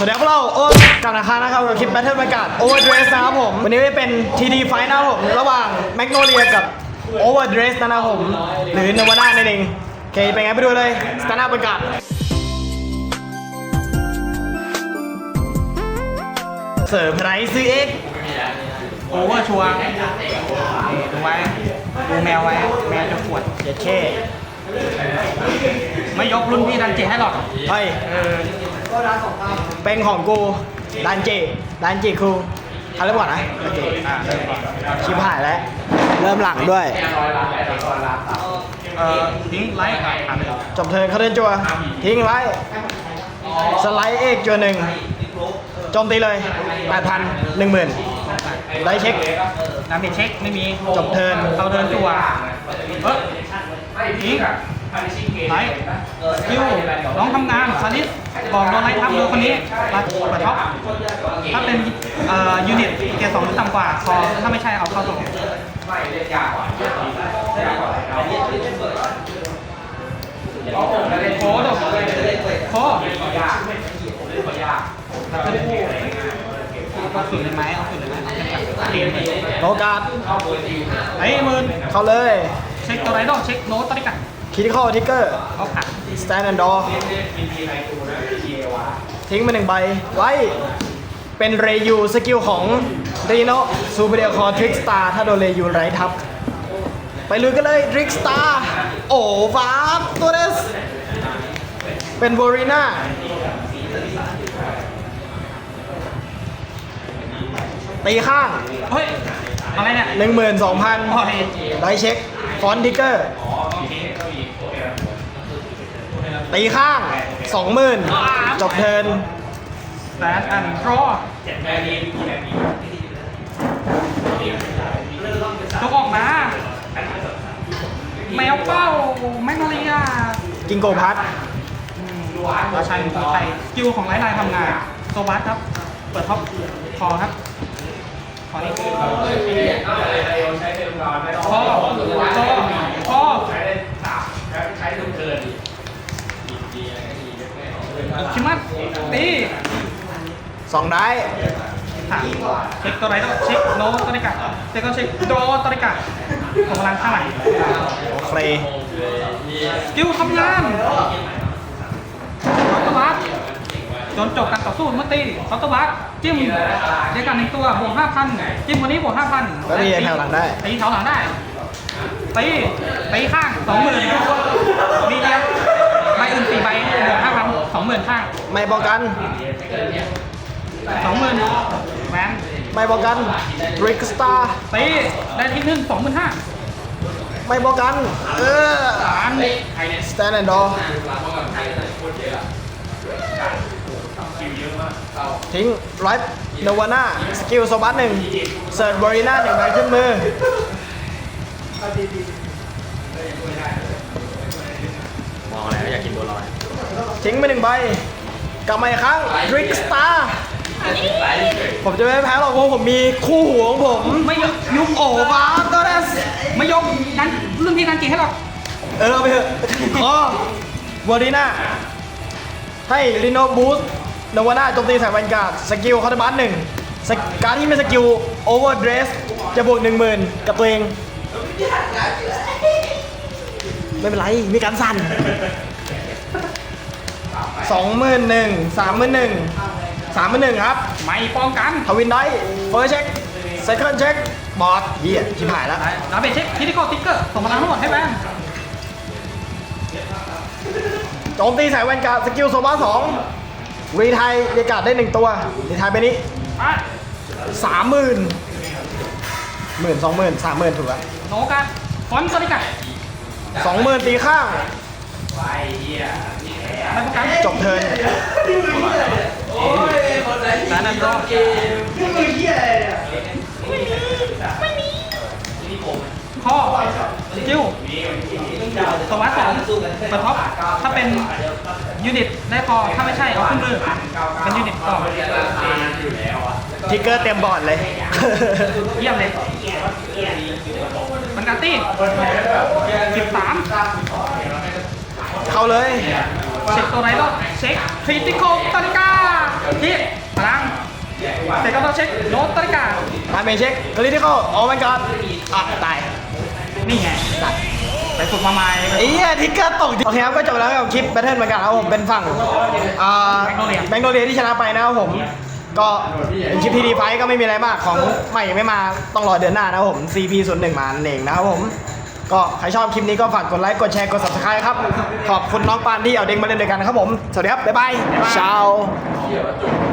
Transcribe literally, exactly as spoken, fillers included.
วัสดีครับพวกเราโอ๊ตกับนาคานะครับกับคลิป Battle บรรยากาศ Overdress นะครับผมวันนี้จะเป็น ที ดี Fight นะครับผมระหว่าง Magnolia กับ Overdress นะครับผมหรือ Nirvana นั่นเองโอเคเป็นไงไปดูเลยสตาร์ทบรรยากาศเสิร์ฟไรซ์เอ็กโอเวอร์ชัวร์ดูไว้ดูแมวไว้แมวจะปวดเย็ดเคไม่ยกรุ่นพี่ดันเจให้หรอกเฮ้ยเออเป็นของกูดันเจดันเจคูเขาเริ่มก่อนนะโอเคอ่าเริ่มก่อนชิบหายแล้วเริ่มหลังด้วยเออทิ้งไลค์อ่านเลยจบเทิร์นเขาเดินจัวทิ้งไว้สไลด์เอกจัวหนึ่งโจมตีเลย แปดพัน หนึ่งหมื่น ได้เช็คน้ำเมจเช็คไม่มีจบเทิร์นเขาเดินจัวเออทิ้งไลค์สกิลน้องทำงานซาลิสบอกโดนไลค์ทับดูคนนี้รัดเปิดท็อปถ้าเป็นเอ่อยูนิตเกียร์สองหรือต่ำกว่าพอถ้าไม่ใช่เอาเข้าส่งโค้ดโค้ดเอาสุดเลยไหมเอาสุดเลยไหมเอาเกมเกมโอกาสไอ้หมื่นเข้าเลยเช็คตัวไรดอกเช็คโน้ตตัวนี้กันคิดเข้าทิกเกอร์เอาผักสแตนด์แอนด์ดอทิ้งมาหนึ่งใบไว้เป็นเรยูสกิลของรีโนซูเปอร์เดียคอทริกสตาร์ถ้าโดนเรยูไรทับ ไปลุยกันเลยทริกสตาร์โอ้ฟ้าตัวเดสเป็นโบรีน่าตีข้างเฮ้ยอะไรเนี่ยหนึ่งหมื่นสองพันโอ้ยได้เช็คฟอนต์ทิกเกอร์ตีข้างสองหมื่นจบเทิร์นแซนแอนด์ดรอจกออกมาแมวเป้าแมกโนเลียกิงโกพัทราชัยของไทยสกิลของไลท์ไลน์ทำงานโซบัสครับ เปิดท็อปคอครับคอนี้คอคอคอชิมัสตีสองได้ถามเช็คตัวไรต้องเช็คโน้ตตัวนี้กันเช็คก็เช็คโดตัวนี้กันของพลังเท่าไหร่โอเคสกิลทำงานคอตวัสจนจบการต่อสู้เมื่อตีคอตวัสจิ้มเดียวกันหนึ่งตัวบวกห้าพันจิ้มวันนี้บวกห้าพันแล้วมีแถวหลังได้ตีแถวหลังได้ตีตีข้างสองหมื่นมีเดียวใบอื่นสี่ใบบวกห้าพันสองหมื่นข้างไม่ป้องกันสองหมื่นแหวนไม่ป้องกันทริกสตาร์ตีได้ที่หนึ่งสองหมื่นห้าไม่ป้องกันเออสามสแตนด์แอนด์ดอทิ้งไรท์โนวาน่าสกิลโซบัสหนึ่งเซิร์ชบริน่าหนึ่งใบขึ้นมือมองอะไรอยากกินบัวลอยทิ้งไปหนึ่งใบกลับมาอีกครั้งทริกสตาร์ผมจะไม่แพ้หรอกเพราะผมมีคู่หูของผมไม่ยกยุบโอ้บ้าตัวนั้นไม่ยกนั้นรุ่นพี่นั้นเก่งให้หรอกเออเอาไปเถอะอ๋อบริน่าให้ลิโนบูสโนวาน่าโจมตีใส่แวนการ์ดสกิลคาร์ดบัสหนึ่งการที่ไม่สกิลโอเวอร์เดรสจะบวกหนึ่งหมื่นกับตัวเองไม่เป็นไรมีการสั่นสองหมื่นหนึ่งสามหมื่นหนึ่งสามหมื่นหนึ่งครับไม่ป้องกันทวินได้เฟิร์สเช็คเซคันด์เช็คบอสเหี้ยชิบหายแล้วดาเบจเช็คคิติคอลติ๊กเกอร์ส่งพลังทั้งหมดให้แบงโจมตีใส่แวนการ์ดสกิลโซบาสองรีไทยเรียกการ์ดได้หนึ่งตัวรีไทยไปนี้ไปสามหมื่นหมื่นสองหมื่นสามหมื่นถูกแล้วโนกันฟอนต์ตัวนี้กันสองหมื่นตีข้างไม่ป้องกันจบเทิร์นแซนด์ดรอข้อสกิลสวัสดิ์สองเปิดท็อปถ้าเป็นยูนิตได้พอถ้าไม่ใช่เอาขึ้นมือเป็นยูนิตต่อทิกเกอร์เต็มบอร์ดเลยเยี่ยมเลยมันการตี้สิบสามเข้าเลยเช็คตัวไหนก็เช็คคริติคอลตาลิกาที่เช็คโนตตริกาตามเมเช็คคริติคอลโอ้มันก่อนอ่ะตายนี่ไงไปฝึกมาใหม่ไอ้เหี้ยทิกเกอร์ตกโอเคครับก็จบแล้วกับคลิปแบทเทิลเหมือนกันครับผมเป็นฝั่งอ่าแบงโกเลียที่ชนะไปนะครับผมก็เป็นคลิปที่ดีไฟก็ไม่มีอะไรมากของใหม่ยังไม่มาต้องรอเดือนหน้านะครับผม ซี พี ศูนย์หนึ่ง มานั่นเองนะครับผมก็ใครชอบคลิปนี้ก็ฝากกดไลค์กดแชร์กด ซับสไครบ์ ครับขอบคุณน้องปานที่เอาเด็กมาเล่นด้วยกันครับผมสวัสดีครับบ๊ายบายเช้า